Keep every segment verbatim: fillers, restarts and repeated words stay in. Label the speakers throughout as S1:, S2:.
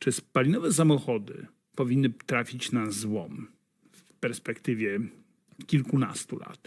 S1: Czy spalinowe samochody powinny trafić na złom w perspektywie kilkunastu lat?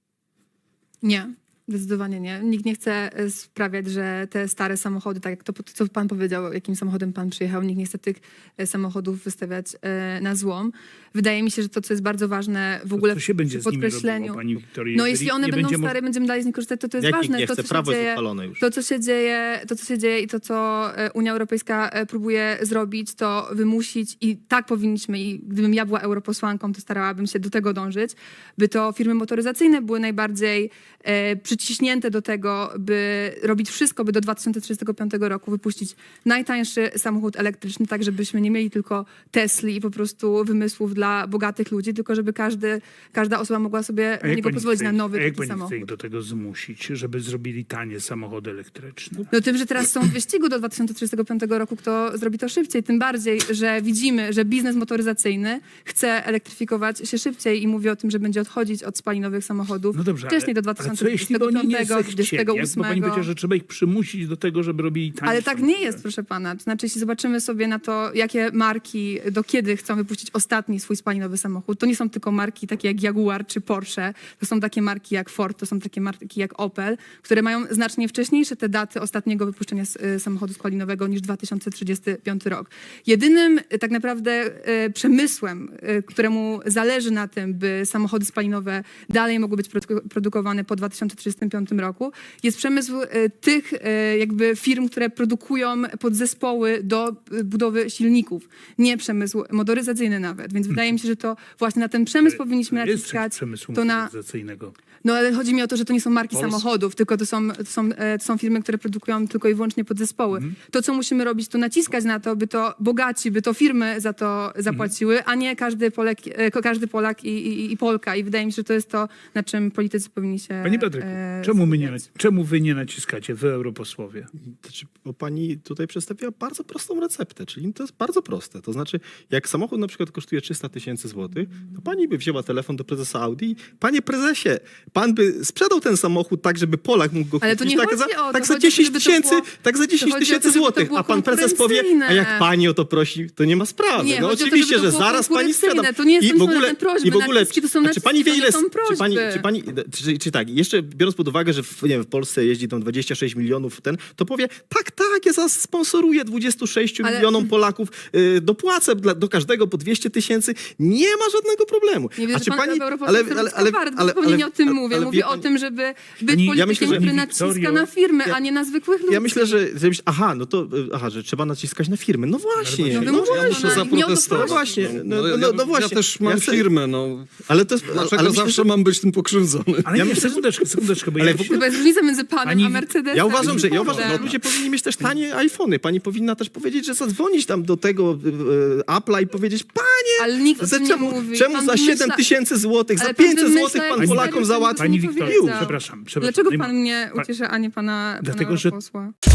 S2: Nie. Zdecydowanie nie. Nikt nie chce sprawiać, że te stare samochody, tak jak to, co pan powiedział, jakim samochodem pan przyjechał, nikt nie chce tych samochodów wystawiać na złom. Wydaje mi się, że to, co jest bardzo ważne w ogóle
S1: to, co się będzie
S2: w
S1: z nimi
S2: podkreśleniu...
S1: robiło, pani Wiktorio,
S2: no
S1: jeżeli
S2: jeśli one
S1: nie
S2: będą
S1: będzie
S2: stare, będziemy dalej z nich korzystać, to to jest
S3: Jak
S2: ważne.
S3: nikt nie
S2: to,
S3: chce,
S2: co
S3: prawo
S2: się
S3: jest
S2: dzieje,
S3: uchwalone już.
S2: To, co się dzieje, to, co się dzieje i to, co Unia Europejska próbuje zrobić, to wymusić i tak powinniśmy, i gdybym ja była europosłanką, to starałabym się do tego dążyć, by to firmy motoryzacyjne były najbardziej e, przyciśnięte do tego, by robić wszystko, by do dwa tysiące trzydziestego piątego roku wypuścić najtańszy samochód elektryczny, tak żebyśmy nie mieli tylko Tesli i po prostu wymysłów dla bogatych ludzi, tylko żeby każdy, każda osoba mogła sobie
S1: A
S2: na
S1: jak
S2: niego
S1: pani
S2: pozwolić
S1: chce
S2: na
S1: ich-
S2: nowy
S1: a jak
S2: taki
S1: pani chce
S2: samochód.
S1: ich do tego zmusić, żeby zrobili tanie samochody elektryczne?
S2: No tym, że teraz są w wyścigu do dwa tysiące trzydziestego piątego roku, kto zrobi to szybciej. Tym bardziej, że widzimy, że biznes motoryzacyjny chce elektryfikować się szybciej i mówi o tym, że będzie odchodzić od spalinowych samochodów
S1: No dobrze,
S2: wcześniej
S1: ale,
S2: do
S1: ale co jeśli
S2: dwa tysiące
S1: oni nie
S2: trzydziestego piątego,
S1: zechcieli?
S2: dwudziestego
S1: Jak, bo pani
S2: ósmego.
S1: powiedziała, że trzeba ich przymusić do tego, żeby robili tanie
S2: Ale tak
S1: samochody.
S2: nie jest, proszę pana. To znaczy, jeśli zobaczymy sobie na to, jakie marki do kiedy chcą wypuścić ostatni swój spalinowy samochód, to nie są tylko marki takie jak Jaguar czy Porsche, to są takie marki jak Ford, to są takie marki jak Opel, które mają znacznie wcześniejsze te daty ostatniego wypuszczenia s- y, samochodu spalinowego niż dwa tysiące trzydziesty piąty rok. Jedynym y, tak naprawdę y, przemysłem, y, któremu zależy na tym, by samochody spalinowe dalej mogły być produ- produkowane po dwa tysiące trzydziestym piątym roku, jest przemysł y, tych y, jakby firm, które produkują podzespoły do y, budowy silników, nie przemysł motoryzacyjny nawet. Więc wydaje mi się, że to właśnie na ten przemysł powinniśmy
S1: To jest
S2: naciskać.
S1: przemysłu
S2: To na,
S1: motoryzacyjnego.
S2: no ale chodzi mi o to, że to nie są marki
S1: Polski.
S2: samochodów, tylko to są, to, są, e, to są firmy, które produkują tylko i wyłącznie podzespoły.
S1: Mhm.
S2: To, co musimy robić, to naciskać na to, by to bogaci, by to firmy za to zapłaciły,
S1: Mhm.
S2: a nie każdy Polak, e, ko- każdy Polak i, i, i Polka. I wydaje mi się, że to jest to, na czym politycy powinni się
S1: Panie Patryku,
S2: e,
S1: czemu, my nie,
S2: skupiać.
S1: czemu wy nie naciskacie, wy europosłowie?
S3: Znaczy, bo pani tutaj przedstawiła bardzo prostą receptę, czyli to jest bardzo proste. To znaczy, jak samochód na przykład kosztuje trzysta tysięcy złotych, to pani by wzięła telefon do prezesa Audi i panie prezesie, pan by sprzedał ten samochód tak, żeby Polak mógł go
S2: Ale
S3: kupić.
S2: to nie
S3: tak
S2: chodzi
S3: za,
S2: o to,
S3: tak za
S2: chodzi o to,
S3: dziesięć
S2: żeby to
S3: tysięcy,
S2: było-
S3: tak za dziesięć
S2: chodzi o to,
S3: tysięcy
S2: żeby to
S3: złotych,
S2: było
S3: a pan prezes powie,
S2: konkurencyjne.
S3: a jak pani o to prosi, to nie ma sprawy.
S2: Nie,
S3: no
S2: chodzi o to,
S3: oczywiście,
S2: żeby to
S3: że
S2: było
S3: zaraz pani sprzedam.
S2: konkurencyjne. To nie jest
S3: I w
S2: żadne
S3: ogóle,
S2: prośby,
S3: i w ogóle
S2: naciski to są
S3: czy
S2: naciski,
S3: pani wie
S2: to nie
S3: ile,
S2: są
S3: czy pani,
S2: prośby.
S3: czy pani, czy, czy tak, jeszcze biorąc pod uwagę, że w, nie wiem, w Polsce jeździ tam dwadzieścia sześć milionów ten, to powie, tak, tak, ja zasponsoruję dwudziestu sześciu
S2: Ale-
S3: milionom Polaków, y, dopłacę dla, do każdego po dwieście tysięcy, nie ma żadnego problemu.
S2: Nie wiem,
S3: A
S2: że
S3: czy
S2: pan
S3: pani,
S2: ale, ale, ale, ale, zupełnie nie o tym mówię.
S3: ale
S2: Mówię
S3: wie
S2: o
S3: pani-
S2: tym, żeby być
S1: Pani- ja
S2: politykiem,
S3: myślę, że
S2: który
S1: pani
S2: naciska
S1: Wiktorio-
S2: na firmy,
S3: ja-
S2: a nie na zwykłych ludzi.
S3: Ja myślę, że, że aha, no to, y, aha, że trzeba naciskać na firmy. No właśnie,
S2: No
S3: no,
S2: wymuszone,
S3: właśnie.
S2: muszę
S3: no
S4: zaprotestować.
S3: właśnie, no,
S4: No,
S3: no,
S4: ja,
S3: no, no
S4: ja
S3: właśnie.
S4: też mam
S3: Ja chcę-
S4: firmę, no.
S3: Ale to jest,
S4: Dlaczego
S3: ale myślę,
S4: zawsze
S3: że-
S4: mam być tym pokrzywdzony?
S1: Ale
S3: Ja
S1: nie,
S3: myślę, że-
S1: sekundeczkę, sekundeczkę, bo
S3: Ale
S1: ja
S3: w
S1: się...
S3: ogóle-
S2: Chyba jest różnica między panem
S1: Pani-
S2: a Mercedesem.
S3: Ja uważam, że, ja
S2: Fordem.
S3: uważam, że ludzie powinni mieć też tanie iPhony. Pani powinna też powiedzieć, że zadzwonić tam do tego e, Apple'a i powiedzieć, panie,
S2: Ale nikt o
S3: za
S2: tym nie
S3: czemu,
S2: mówi.
S3: czemu
S2: Pan
S3: za
S2: wymyśla-
S3: siedem tysięcy złotych, za
S2: Ale pan
S3: pięćset
S2: wymyśla
S3: złotych pan
S2: jakieś
S3: Polakom
S2: serio,
S3: załatwi?
S2: co
S1: Pani
S2: nie
S1: Wiktorio,
S2: powiedział.
S1: przepraszam, przepraszam.
S2: Dlaczego
S1: Nie ma-
S2: pan mnie
S1: Pa-
S2: ucieszy, a nie pana,
S1: Dlatego,
S2: pana
S1: że-
S2: posła?